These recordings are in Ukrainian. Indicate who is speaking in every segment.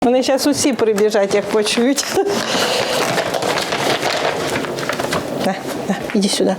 Speaker 1: Вони зараз усі прибіжать, як почують. Іди сюди.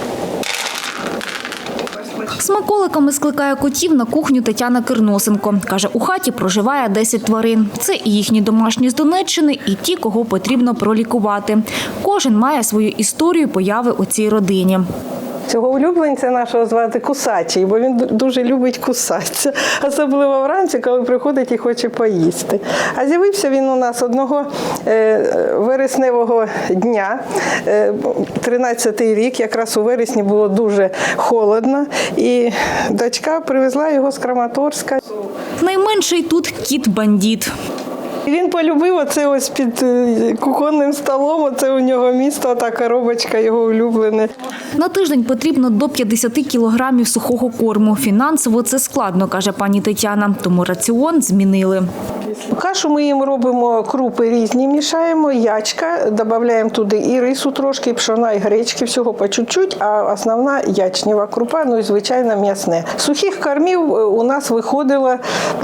Speaker 2: Смаколиками скликає котів на кухню Тетяна Кирносенко. Каже, у хаті проживає 10 тварин. Це і їхні домашні з Донеччини, і ті, кого потрібно пролікувати. Кожен має свою історію появи у цій родині.
Speaker 1: Цього улюбленця нашого звати Кусачий, бо він дуже любить кусатися. Особливо вранці, коли приходить і хоче поїсти. А з'явився він у нас одного вересневого дня, 13-й рік, якраз у вересні було дуже холодно, і дочка привезла його з Краматорська.
Speaker 2: Найменший тут кіт-бандит.
Speaker 1: Він полюбив оце ось під кухонним столом, оце у нього місто, та коробочка його улюблене.
Speaker 2: На тиждень потрібно до 50 кілограмів сухого корму. Фінансово це складно, каже пані Тетяна, тому раціон змінили.
Speaker 1: Кашу ми їм робимо, крупи різні мішаємо, ячка, додаємо туди і рису трошки, і пшона, і гречки, всього по чуть-чуть, а основна ячнева крупа, ну і звичайно м'ясне. Сухих кормів у нас виходило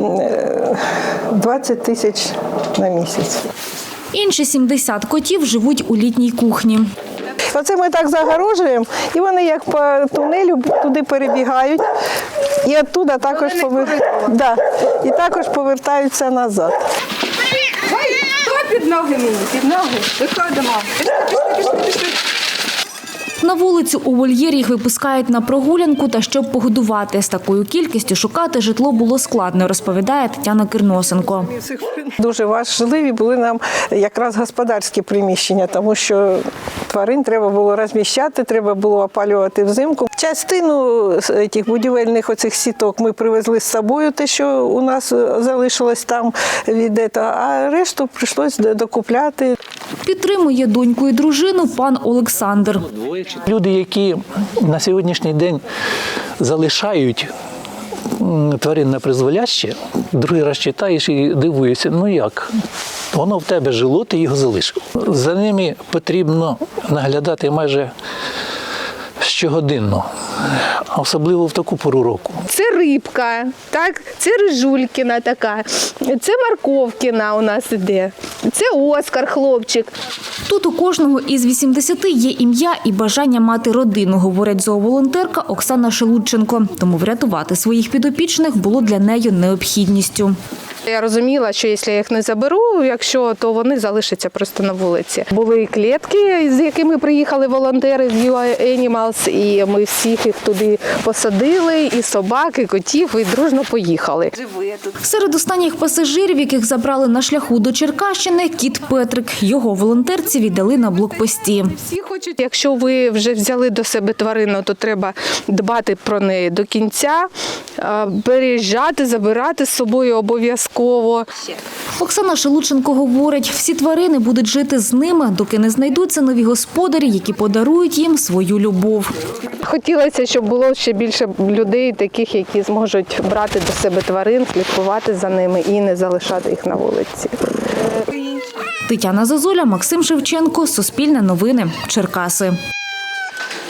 Speaker 1: 20 тисяч на місяць.
Speaker 2: Інші 70 котів живуть у літній кухні.
Speaker 1: Оце ми так загорожуємо, і вони як по тунелю туди перебігають, і оттуда також повертаються назад.
Speaker 3: Хто під ноги мені? Під ноги? Виходимо. Пішли.
Speaker 2: На вулицю у вольєрі їх випускають на прогулянку та щоб погодувати. З такою кількістю шукати житло було складно, розповідає Тетяна Кирносенко.
Speaker 1: Дуже важливі були нам якраз господарські приміщення, тому що тварин треба було розміщати, треба було опалювати взимку. Частину цих будівельних оцих сіток ми привезли з собою, те, що у нас залишилось там від цього, а решту прийшлось докупляти.
Speaker 2: Підтримує доньку і дружину пан Олександр.
Speaker 4: Люди, які на сьогоднішній день залишають тварин на призволяще, другий раз читаєш і дивуєшся, ну як? Воно в тебе жило, ти його залишив. За ними потрібно наглядати майже щогодинно, особливо в таку пору року.
Speaker 3: Це рибка, так? Це рижулькіна така, це морковкіна у нас іде, це Оскар, хлопчик.
Speaker 2: Тут у кожного із 80 є ім'я і бажання мати родину, говорить зооволонтерка Оксана Шелудченко. Тому врятувати своїх підопічних було для неї необхідністю.
Speaker 3: Я розуміла, що якщо я їх не заберу, то вони залишаться просто на вулиці. Були клітки, з якими приїхали волонтери з UA Animals, і ми всіх їх туди посадили, і собак, і котів, і дружно поїхали.
Speaker 2: Серед останніх пасажирів, яких забрали на шляху до Черкащини, кіт Петрик. Його волонтерці віддали на блокпості.
Speaker 3: Всі хочуть, якщо ви вже взяли до себе тварину, то треба дбати про неї до кінця, переїжджати, забирати з собою обов'язково.
Speaker 2: Оксана Шелудченко говорить, всі тварини будуть жити з ними, доки не знайдуться нові господарі, які подарують їм свою любов.
Speaker 3: Хотілося, щоб було ще більше людей, таких, які зможуть брати до себе тварин, слідкувати за ними і не залишати їх на вулиці.
Speaker 2: Тетяна Зозуля, Максим Шевченко, Суспільне новини, Черкаси.